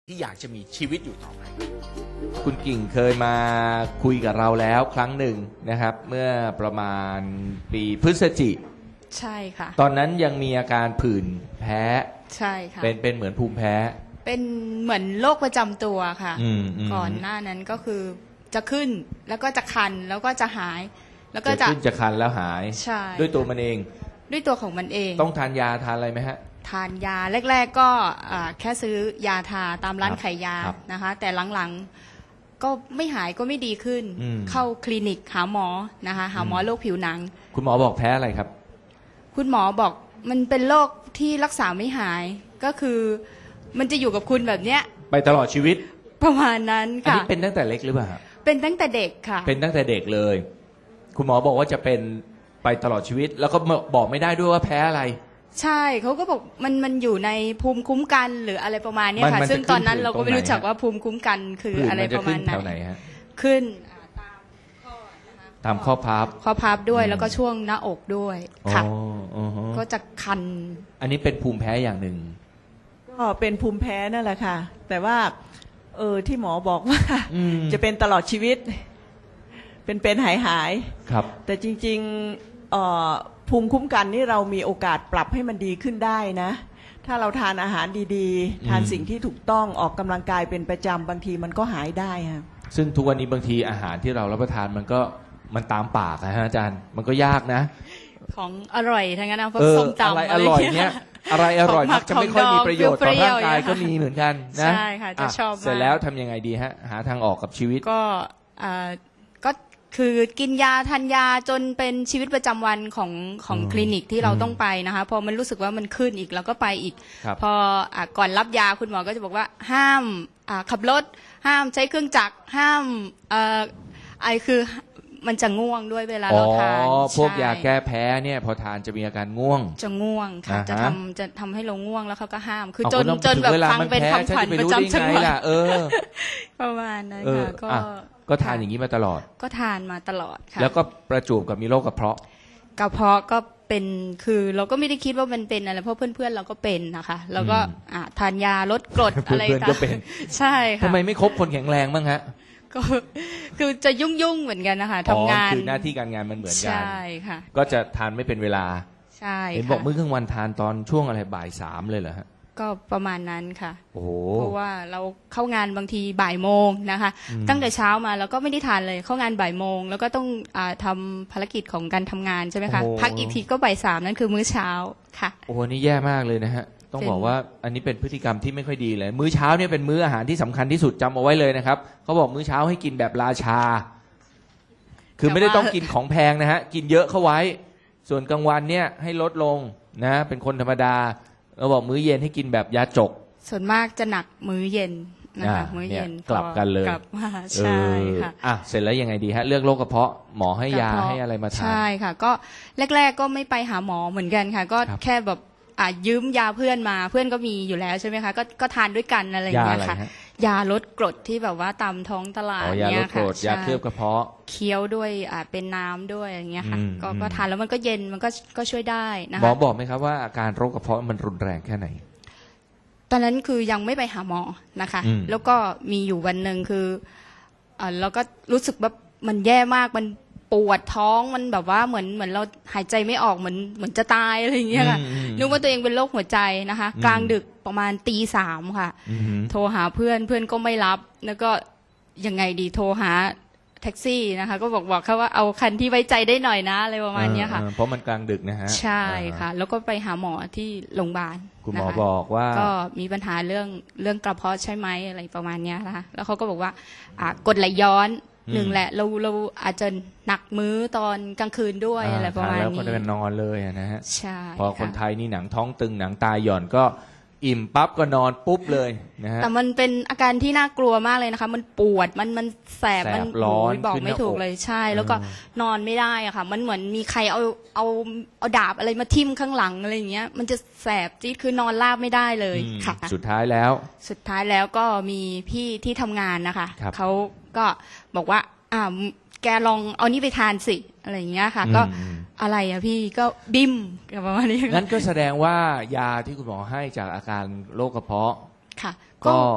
ที่อยากจะมีชีวิตอยู่ต่อไปคุณกิ่งเคยมาคุยกับเราแล้วครั้งหนึ่งนะครับเมื่อประมาณปีพฤศจิใช่ค่ะตอนนั้นยังมีอาการผื่นแพ้ใช่ค่ะเป็นเหมือนภูมิแพ้เป็นเหมือนโรคประจำตัวค่ะก่อนหน้านั้นก็คือจะขึ้นแล้วก็จะคันแล้วก็จะหายแล้วก็จะขึ้นจะคันแล้วหายใช่ด้วยตัวมันเองด้วยตัวของมันเองต้องทานยาทานอะไรไหมฮะทานยาแรกๆก็แค่ซื้อยาทาตามร้านขายยานะคะแต่หลังๆก็ไม่หายก็ไม่ดีขึ้นเข้าคลินิกหาหมอนะคะหาหมอโรคผิวหนังคุณหมอบอกแพ้อะไรครับคุณหมอบอกมันเป็นโรคที่รักษาไม่หายก็คือมันจะอยู่กับคุณแบบเนี้ยไปตลอดชีวิตประมาณนั้นค่ะอันนี้เป็นตั้งแต่เล็กหรือเปล่าเป็นตั้งแต่เด็กค่ะเป็นตั้งแต่เด็กเลยคุณหมอบอกว่าจะเป็นไปตลอดชีวิตแล้วก็บอกไม่ได้ด้วยว่าแพ้อะไรใช่เขาก็บอกมันอยู่ในภูมิคุ้มกันหรืออะไรประมาณนี้ค่ะซึ่งตอนนั้นเราก็ไม่รู้จักว่าภูมิคุ้มกันคืออะไรประมาณไหนขึ้นตามข้อพับด้วยแล้วก็ช่วงหน้าอกด้วยค่ะก็จะคันอันนี้เป็นภูมิแพ้อย่างหนึ่งก็เป็นภูมิแพ้นั่นแหละค่ะแต่ว่าที่หมอบอกว่าจะเป็นตลอดชีวิตเป็นหายครับแต่จริงๆภูมิคุ้มกันนี่เรามีโอกาสปรับให้มันดีขึ้นได้นะถ้าเราทานอาหารดีๆทานสิ่งที่ถูกต้องออกกำลังกายเป็นประจำบางทีมันก็หายได้ค่ะซึ่งทุกวันนี้บางทีอาหารที่เรารับประทานมันตามปากนะฮะอาจารย์มันก็ยากนะของอร่อยทั้งนั้นนะพวกส้มตำอะไรอร่อยเนี่ยอะไรอร่อยมักจะไม่ค่อยมีประโยชน์ต่อร่างกายก็มีเหมือนกันนะใช่ค่ะจะชอบเสร็จแล้วทำยังไงดีฮะหาทางออกกับชีวิตก็คือกินยาทานยาจนเป็นชีวิตประจำวันของคลินิกที่เราต้องไปนะคะพอมันรู้สึกว่ามันขึ้นอีกเราก็ไปอีกพอก่อนรับยาคุณหมอก็จะบอกว่าห้ามขับรถห้ามใช้เครื่องจักรห้ามคือมันจะง่วงด้วยเวลาเราทานพวกยาแก้แพ้เนี่ยพอทานจะมีอาการง่วงจะง่วงค่ะจะทำให้เราง่วงแล้วเขาก็ห้ามคือจนแบบฟังเป็นคำขวัญประจำจังหวัดประมาณนั้นค่ะก็ทานอย่างนี้มาตลอดก็ทานมาตลอดค่ะแล้วก็ประจวบกับมีโรคกระเพาะก็เป็นคือเราก็ไม่ได้คิดว่ามันเป็นอะไรเพราะเพื่อนๆเราก็เป็นนะคะแล้วก็ทานยาลดกรดอะไรต่างๆใช่ค่ะทำไมไม่คบคนแข็งแรงบ้างฮะก็คือจะยุ่งเหมือนกันนะคะทำงานคือหน้าที่การงานมันเหมือนกันใช่ค่ะก็จะทานไม่เป็นเวลาใช่เห็นบอกมื้อกลางวันทานตอนช่วงอะไรบ่าย3เลยเหรอฮะก็ประมาณนั้นค่ะเพราะว่าเราเข้างานบางทีบ่ายโมงนะคะตั้งแต่เช้ามาแล้วก็ไม่ได้ทานเลยเข้างานบ่ายโมงแล้วก็ต้องทำภารกิจของการทำงานใช่ไหมคะพักอีกทีก็บ่าย3นั่นคือมื้อเช้าค่ะโอ้โหนี่แย่มากเลยนะฮะต้องบอกว่าอันนี้เป็นพฤติกรรมที่ไม่ค่อยดีเลยมื้อเช้าเนี่ยเป็นมื้ออาหารที่สำคัญที่สุดจำเอาไว้เลยนะครับเขาบอกมื้อเช้าให้กินแบบราชาคือไม่ได้ต้องกินของแพงนะฮะกินเยอะเข้าไว้ส่วนกลางวันเนี่ยให้ลดลงนะเป็นคนธรรมดาเราบอกมื้อเย็นให้กินแบบยาจกส่วนมากจะหนักมื้อเย็นนะคะมื้อเย็นกลับกันเลยกลับมาใช่ค่ะเสร็จแล้วยังไงดีฮะเรื่องโรคกระเพาะหมอให้ยาให้อะไรมาทานใช่ค่ะก็แรกๆก็ไม่ไปหาหมอเหมือนกันค่ะก็แค่แบบยืมยาเพื่อนมาเพื่อนก็มีอยู่แล้วใช่ไหมคะก็ทานด้วยกันอะไรอย่างเงี้ยค่ะยาลดกรดที่แบบว่าตามท้องตลาดเนี่ยค่ะยาเคลือบกระเพาะเคี้ยวด้วยเป็นน้ำด้วยอย่างเงี้ยค่ะก็ทานแล้วมันก็เย็นมันก็ช่วยได้นะคะหมอบอกไหมครับว่าอาการโรคกระเพาะมันรุนแรงแค่ไหนตอนนั้นคือยังไม่ไปหาหมอนะคะแล้วก็มีอยู่วันหนึ่งคือเราก็รู้สึกแบบมันแย่มากมันปวดท้องมันแบบว่าเหมือนเราหายใจไม่ออกเหมือนจะตายอะไรอย่างเงี้ยค่ะนึกว่าตัวเองเป็นโรคหัวใจนะคะกลางดึกประมาณตี 3ค่ะโทรหาเพื่อนก็ไม่รับแล้วก็ยังไงดีโทรหาแท็กซี่นะคะก็บอกเขาว่าเอาคันที่ไว้ใจได้หน่อยนะอะไรประมาณนี้ค่ะเพราะมันกลางดึกนะฮะใช่ค่ะแล้วก็ไปหาหมอที่โรงพยาบาลคุณหมอบอกว่าก็มีปัญหาเรื่องกระเพาะใช่ไหมอะไรประมาณนี้นะคะแล้วเขาก็บอกว่ากรดไหลย้อนหนึ่งแหละเราอาจจะหนักมื้อตอนกลางคืนด้วยอะไรประมาณนี้แล้วก็นอนเลยนะฮะใช่พอคนไทยนี่หนังท้องตึงหนังตาหย่อนก็อิ่มปั๊บก็นอนปุ๊บเลยนะฮะแต่มันเป็นอาการที่น่ากลัวมากเลยนะคะมันปวดมันแสบมันร้อนบอกไม่ถูกเลยใช่แล้วก็นอนไม่ได้อะค่ะมันเหมือนมีใครเอาดาบอะไรมาทิ่มข้างหลังอะไรอย่างเงี้ยมันจะแสบจี๊ดคือนอนราบไม่ได้เลยค่ะสุดท้ายแล้วก็มีพี่ที่ทำงานนะคะเขาก็บอกว่าแกลองเอานี่ไปทานสิอะไรอย่างเงี้ยค่ะก็อะไรอะพี่ก็บิมประมาณนี้งั้นก็แสดงว่ายาที่คุณหมอให้จากอาการโรคกระเพาะค่ะก็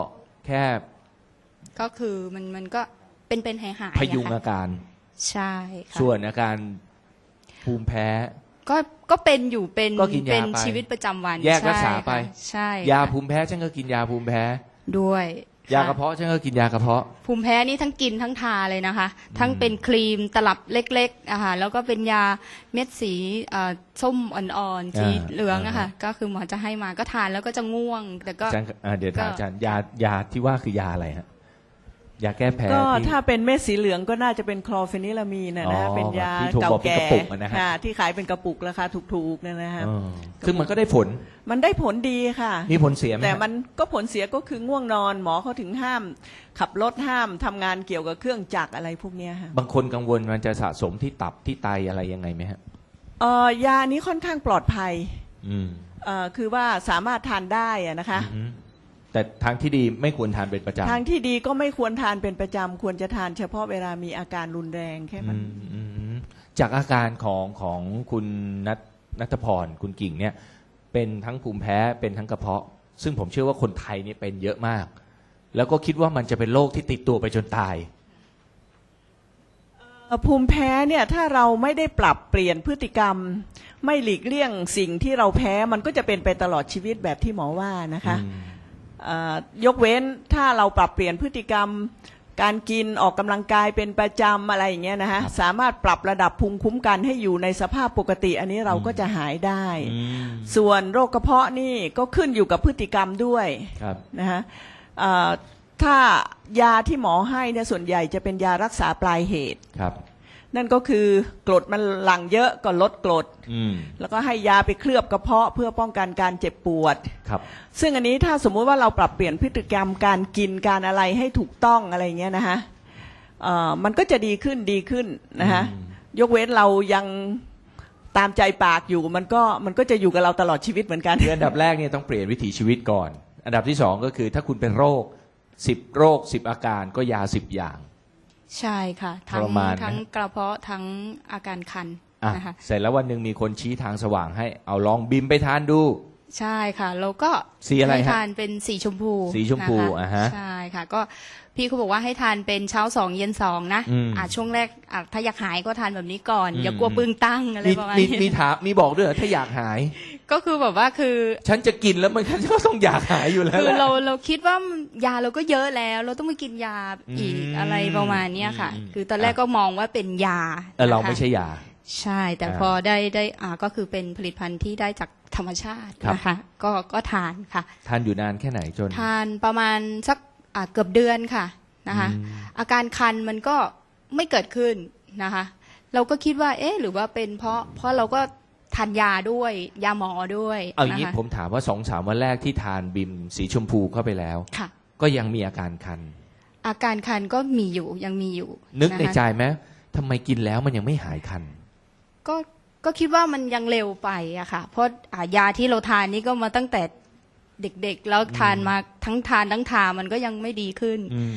แค่ก็คือมันก็เป็นหายๆพยุงอะค่ะอาการใช่ค่ะส่วนอาการภูมิแพ้ก็เป็นอยู่เป็นก็กินยาเป็นไปชีวิตประจำวันแยกรักษาใช่ค่ะไปใช่ยาค่ะภูมิแพ้ฉันก็กินยาภูมิแพ้ด้วยยาค่กระเพาะฉันก็กินยากระเพาะภูมิแพ้นี่ทั้งกินทั้งทาเลยนะคะ ทั้งเป็นครีมตลับเล็กๆอะค่ะแล้วก็เป็นยาเม็ดสีส้มอ่อนๆสีเหลืองอะค่ะก็คือหมอจะให้มาก็ทานแล้วก็จะง่วง แต่ก็อาจารย์เดี๋ยวถามก็อาจารย์ยาที่ว่าคือยาอะไรฮะยาแก้แพ้ก็ที่ถ้าเป็นเม็ดสีเหลืองก็น่าจะเป็นคลอร์เฟนิลามีนนะอ๋อเป็นยาที่ถูกเก่าบอกเป็นแก่กระปุกอะนะฮะค่ะที่ขายเป็นกระปุกราคาถูกๆเนี่ยนะฮะเออคือมันก็ได้ผลมันได้ผลดีค่ะมีผลเสียไหมฮะแต่มันก็ผลเสียก็คือง่วงนอนหมอเขาถึงห้าม ขับรถห้ามทำงานเกี่ยวกับเครื่องจักรอะไรพวกเนี้ยค่ะบางคนกังวลมันจะสะสมที่ตับที่ไตอะไรยังไงไหมฮะยานี้ค่อนข้างปลอดภัยอืมคือว่าสามารถทานได้อะนะคะอืมแต่ทางที่ดีไม่ควรทานเป็นประจำทางที่ดีก็ไม่ควรทานเป็นประจำควรจะทานเฉพาะเวลามีอาการรุนแรงแค่นั้นอืมจากอาการของคุณนัทพรคุณกิ่งเนี่ยเป็นทั้งภูมิแพ้เป็นทั้งกระเพาะ ซึ่งผมเชื่อว่าคนไทยเนี่ยเป็นเยอะมาก แล้วก็คิดว่ามันจะเป็นโรคที่ติดตัวไปจนตายภูมิแพ้เนี่ยถ้าเราไม่ได้ปรับเปลี่ยนพฤติกรรม ไม่หลีกเลี่ยงสิ่งที่เราแพ้มันก็จะเป็นไปตลอดชีวิตแบบที่หมอว่านะคะยกเว้นถ้าเราปรับเปลี่ยนพฤติกรรม การกินออกกำลังกายเป็นประจำอะไรอย่างเงี้ยนะฮะครับสามารถปรับระดับภูมิคุ้มกันให้อยู่ในสภาพปกติ อันนี้เราก็จะหายได้ ส่วนโรคกระเพาะนี่ก็ขึ้นอยู่กับพฤติกรรมด้วยครับนะฮะถ้ายาที่หมอให้เนี่ยส่วนใหญ่จะเป็นยารักษาปลายเหตุครับนั่นก็คือกรดมันหลั่งเยอะก็ลดกรดอืมแล้วก็ให้ยาไปเคลือบกระเพาะเพื่อป้องกันการเจ็บปวดครับซึ่งอันนี้ถ้าสมมุติว่าเราปรับเปลี่ยนพฤติกรรมการกินการอะไรให้ถูกต้องอะไรเงี้ยนะฮะมันก็จะดีขึ้นนะฮะยกเว้นเรายังตามใจปากอยู่มันก็จะอยู่กับเราตลอดชีวิตเหมือนกันคืออันดับแรกเนี่ยต้องเปลี่ยนวิถีชีวิตก่อน อันดับที่2ก็คือถ้าคุณเป็นโรค10โรค10อาการก็ยา10อย่างใช่ค่ะทรมานไหมทั้งกระเพาะทั้งอาการคันอ่ะนะคะเสร็จแล้ววันหนึ่งมีคนชี้ทางสว่างให้เอาลองบิมไปทานดูใช่ค่ะแล้วก็สีอะไรฮะให้ทานเป็นสีชมพูสีชมพูนะคะอ่าฮะใช่ค่ะก็พี่เขาบอกว่าให้ทานเป็นเช้า2เย็น2นะอืมช่วงแรกถ้าอยากหายก็ทานแบบนี้ก่อน อย่ากลัวปึงตั้งอะไรประมาณมีนี้ถามมีบอกด้วยเหรอถ้าอยากหายก็คือแบบว่าคือฉันจะกินแล้วมันก็ต้องอยากหายอยู่แล้วคือแหละเราคิดว่ายาเราก็เยอะแล้ว เราต้องมากินยาอีกอืมอะไรประมาณเนี้ยค่ะอืมคือตอนแรกก็มองว่าเป็นยาเรานะคะไม่ใช่ยาใช่ แต่อ่าพอได้ก็คือเป็นผลิตภัณฑ์ที่ได้จากธรรมชาติครับนะคะก็ทานค่ะทานอยู่นานแค่ไหนจนทานประมาณสักเกือบเดือนค่ะนะคะอืมอาการคันมันก็ไม่เกิดขึ้นนะคะ เราก็คิดว่าเอ๊ะหรือว่าเป็นเพราะเราก็ทานยาด้วยยาหมอด้วยเอาอย่างนี้นะคะผมถามว่า2-3วันแรกที่ทานบิมสีชมพูเข้าไปแล้วค่ะก็ยังมีอาการคันอาการคันก็มีอยู่ยังมีอยู่นึกในะคะใจไหมทำไมกินแล้วมันยังไม่หายคันก็คิดว่ามันยังเร็วไปอะค่ะ เพราะยาที่เราทานนี่ก็มาตั้งแต่เด็กๆ แล้วทานมาทั้งทานทั้งทามันก็ยังไม่ดีขึ้น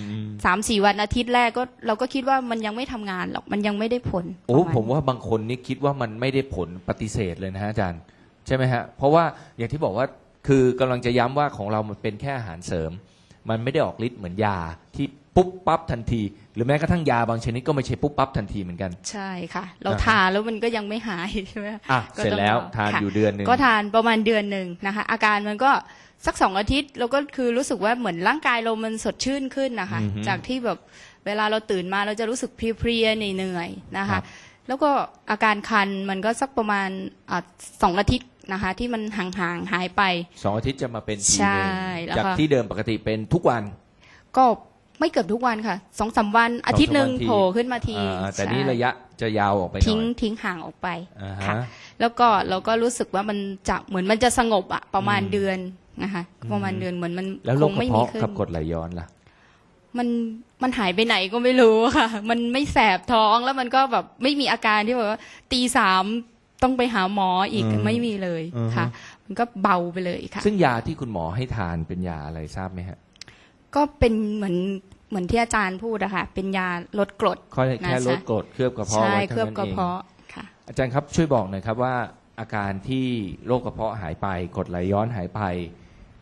3-4 วันอาทิตย์แรกก็เราก็คิดว่ามันยังไม่ทำงานหรอกมันยังไม่ได้ผลโอ้ประณผมว่าบางคนนี่คิดว่ามันไม่ได้ผลปฏิเสธเลยนะฮะอาจารย์ ใช่ไหมฮะ เพราะว่าอย่างที่บอกว่าคือกำลังจะย้ำว่าของเรามันเป็นแค่อาหารเสริม มันไม่ได้ออกฤทธิ์เหมือนยาที่ปุ๊บปั๊บทันที หรือแม้กระทั่งยาบางชนิดก็ไม่ใช่ปุ๊บปั๊บทันทีเหมือนกันใช่ค่ะ เราอ่าฮะทานแล้วมันก็ยังไม่หายใช่ไหมอ่ะก็เสร็จต้องแล้วรอทานค่ะอยู่เดือนหนึ่งก็ทานประมาณเดือนหนึ่งนะคะ อาการมันก็สัก2 อาทิตย์เราก็คือรู้สึกว่าเหมือนร่างกายเรามันสดชื่นขึ้นนะคะ จากที่แบบเวลาเราตื่นมาเราจะรู้สึกเพลียๆเหนื่อยๆนะครัคะบแล้วก็อาการคันมันก็สักประมาณ2 อาทิตย์นะคะ ที่มันห่างๆหายไป 2 อาทิตย์จะมาเป็นทีใช่หนึ่งแล้วจากก็ที่เดิมปกติเป็นทุกวันก็ไม่เกือบทุกวันค่ะ2-3 วันอาทิตย์หนึ่ง 2-3 โผล่ขึ้นมาทีแต่ใช่นี่ระยะจะยาวออกไปหน่ทิ้อง ยห่างออกไปอ่าฮะค่ะ แล้วก็เราก็รู้สึกว่ามันจะเหมือนมันจะสงบอะประมาณอืมเดือนนะคะ ประมาณเดือนเหมือนมันแล้วโรคคงกระไม่มีเพาะขึ้นกับกรดไหลย้อนล่ะมันหายไปไหนก็ไม่รู้ค่ะ มันไม่แสบท้องแล้วมันก็แบบไม่มีอาการที่แบบว่า3:00ต้องไปหาหมออีกอืมไม่มีเลยอือฮึค่ะ มันก็เบาไปเลยค่ะซึ่งยาที่คุณหมอให้ทานเป็นยาอะไรทราบไหมฮะก็เป็นเหมือนที่อาจารย์พูดอะค่ะ เป็นยาลดกรดแค่ลดกรดเคลือบกระเพาะใช่ไว้เคเท่าลือบนั้นกระเองเพาะค่ะอาจารย์ครับช่วยบอกหน่อยครับว่าอาการที่โรคกระเพาะหายไปกรดไหลย้อนหายไป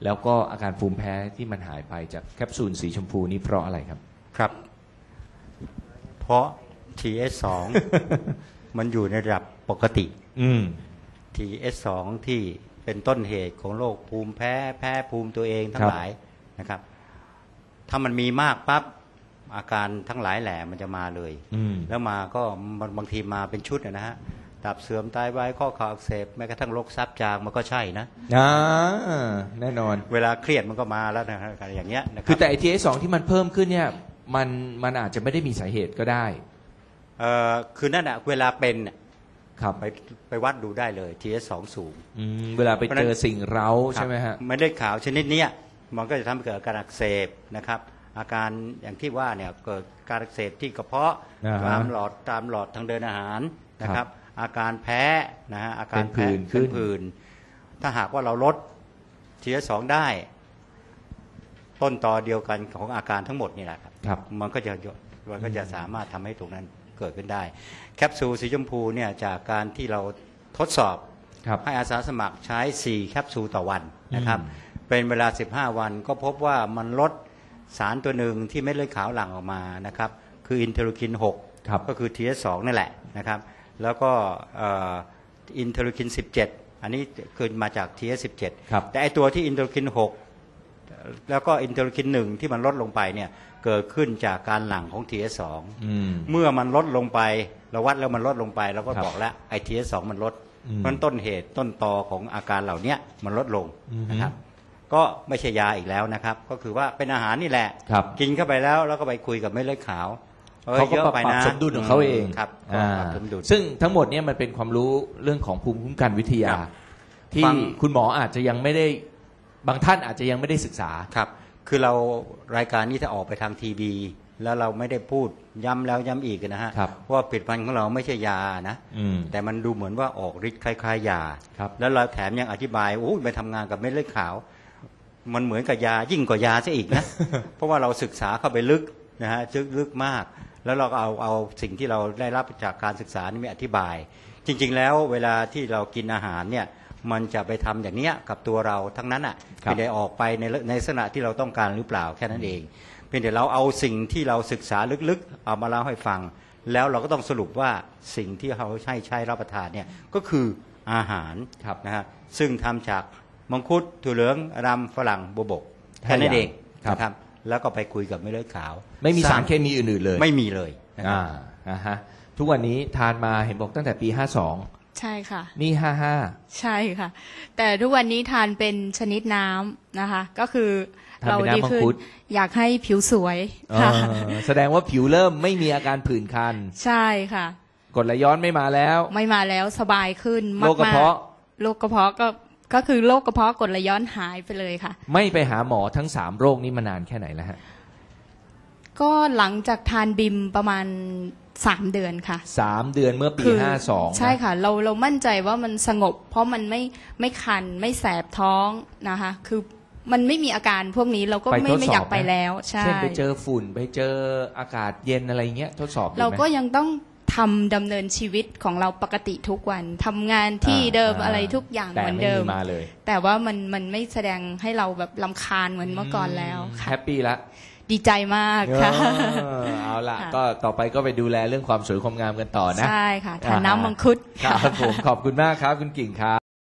แล้วก็อาการภูมิแพ้ที่มันหายไปจากแคปซูลสีชมพูนี้เพราะอะไรครับครับ เพราะ TS2 มันอยู่ในระดับปกติอืม TS2 ที่เป็นต้นเหตุของโรคภูมิแพ้ภูมิตัวเองทั้งหลายนะครับ ถ้ามันมีมากปั๊บอาการทั้งหลายแหล่มันจะมาเลยอืมแล้วมาก็บางทีมาเป็นชุดนะฮะตับเสื่อมไตวายข้อเข่าอักเสบแม้กระทั่งโรคซับจางมันก็ใช่นะแน่นอนเวลาเครียดมันก็มาแล้วนะฮะอย่างเงี้ยนะคคืรัอแต่ ATS2 ที่มันเพิ่มขึ้นเนี่ยมันอาจจะไม่ได้มีสาเหตุก็ได้คือนั่นอะเวลาเป็นน่ะครับไปวัดดูได้เลย TS2 สูงเวลาไปเจอสิ่งเร้าใช่ไหมฮะเม็ดเลือดขาวชนิดเนี้ยมันก็จะทำให้เกิดอาการอักเสบนะครับ อาการอย่างที่ว่าเนี่ยเกิดการอักเสบที่กระเพาะอ่าฮะตามหลอดทางเดินอาหารนะคครัรับ บ อาการแพ้นะฮะอาการเป็นผื่นแพ้ขึ้นเป็นผื่นถ้าหากว่าเราลด TS2 ได้ ต้นตอเดียวกันของอาการทั้งหมดนี่แหละครับครับมันก็จะสามารถทำให้ตรงนั้นเกิดขึ้นได้ แคปซูลสีชมพูเนี่ยจากการที่เราทดสอบครับให้อาสาสมัครใช้ 4 แคปซูลต่อวันนะครับอืมเป็นเวลา 15 วันก็พบว่ามันลดสารตัวหนึ่งที่เม็ดเลือดขาวหลั่งออกมานะครับ คืออินเทอร์ลูคินครับ 6 ก็คือ TS2 นั่นแหละนะครับ แล้วก็อินเทอร์ลูคิน 17 อันนี้คือมาจาก TS17 ครับแต่ไอตัวที่อินเทอร์ลูคิน 6 แล้วก็อินเทอร์ลูคิน 1 ที่มันลดลงไปเนี่ยเกิดขึ้นจากการหลั่งของ TS2 อืมเมื่อมันลดลงไปเราวัดแล้วมันลดลงไปเราก็ครับบอกแล้วไอ TS2 มันลดอืมเพราะฉะนั้นต้นเหตุต้นตอของอาการเหล่านี้มันลดลงอือฮึนะครับ ก็ไม่ใช่ยาอีกแล้วนะครับ ก็คือว่าเป็นอาหารนี่แหละครับกินเข้าไปแล้วก็ไปคุยกับเม็ดเลือดขาวอ้ยเขาก็ยอะปรับไปนะสมดุลของเขาเองครับก็ปรับสมดุลซึ่งทั้งหมดเนี่ยมันเป็นความรู้เรื่องของภูมิคุ้มกันวิทยาครับที่ฟังคุณหมออาจจะยังไม่ได้บางท่านอาจจะยังไม่ได้ศึกษาครับ คือเรารายการนี้ถ้าออกไปทางทีวีแล้วเราไม่ได้พูดย้ำแล้วย้ำอีกนะฮะครับว่าผลิตภัณฑ์ของเราไม่ใช่ยานะอืมแต่มันดูเหมือนว่าออกฤทธิ์คล้ายๆยาครับแล้วเราแถมยังอธิบายโอ้ยไปทำงานกับเม็ดเลือดขาว มันเหมือนกับยายิ่งกว่ายาซะอีกนะ เพราะว่าเราศึกษาเข้าไปลึกนะฮะลึกมาก แล้วเราก็เอาสิ่งที่เราได้รับจากการศึกษานี่มาอธิบาย จริงๆแล้วเวลาที่เรากินอาหารเนี่ยมันจะไปทำอย่างเนี้ยกับตัวเราทั้งนั้นอ่ะครับไม่ได้ออกไปในลักษณะที่เราต้องการหรือเปล่าแค่นั้นเองเพียงแต่เราเอาสิ่งที่เราศึกษาลึกๆเอามาเล่าให้ฟัง แล้วเราก็ต้องสรุปว่าสิ่งที่เขาใช้รับประทานเนี่ยก็คืออาหารครับนะฮะซึ่งทำจากมังคุดถั่วเหลืองรำฝรั่งบวบกแค่นั้นเองครับนะครับแล้วก็ไปคุยกับเม็ดเลือดขาวไม่มีร้สาง รเคมีอื่นๆเลยไม่มีเลยนะครับอ่าฮะทุกวันนี้ทานมาเห็นบอกตั้งแต่ปีใช่ค่ะ 52 นี่ใช่ค่ะ แต่ทุกวันนี้ทานเป็นชนิดน้ำนะคะ ก็คือทานเราเป็นดีน้ำมังขึ้นคุดอยากให้ผิวสวย 52 ค่ะแสดงว่าผิวเริ่มไม่มีอาการผื่นคันใช่ค่ะกรดไหลย้อนไม่มาแล้วไม่มาแล้วสบายขึ้นมากโรคกระเพาะโรคกระเพาะก็คือโรคกระเพาะกรดไหลย้อนหายไปเลยค่ะไม่ไปหาหมอทั้ง 3 โรคนี้มานานแค่ไหนแล้วฮะก็หลังจากทานบิมประมาณ3 เดือนค่ะ 3 เดือนเมื่อปีคือ 52 ใช่ค่ะ เรามั่นใจว่ามันสงบ เพราะมันไม่คันไม่แสบท้องนะคะ คือมันไม่มีอาการพวกนี้เราก็ไปทดสอบไม่อยากไปไหมแล้วใช่เช่นไปเจอฝุ่นไปเจออากาศเย็นอะไรเงี้ยทดสอบดูไหมเราก็ยังต้องดำเนินชีวิตของเราปกติทุกวันทำงานที่เดิมอะไรทุกอย่างแต่เหมือนไม่เดิมมีมาเลยแต่ว่ามันไม่แสดงให้เราแบบลำคาญเหมือนเมื่อก่อนแล้วค่ะแฮปปี้ละดีใจมากค่ะเอาล่ะค่ะก็ต่อไปก็ไปดูแลเรื่องความสวยความงามกันต่อนะใช่ค่ะทานน้ำมังคุดครับผมขอบคุณมากครับคุณกิ่งครับ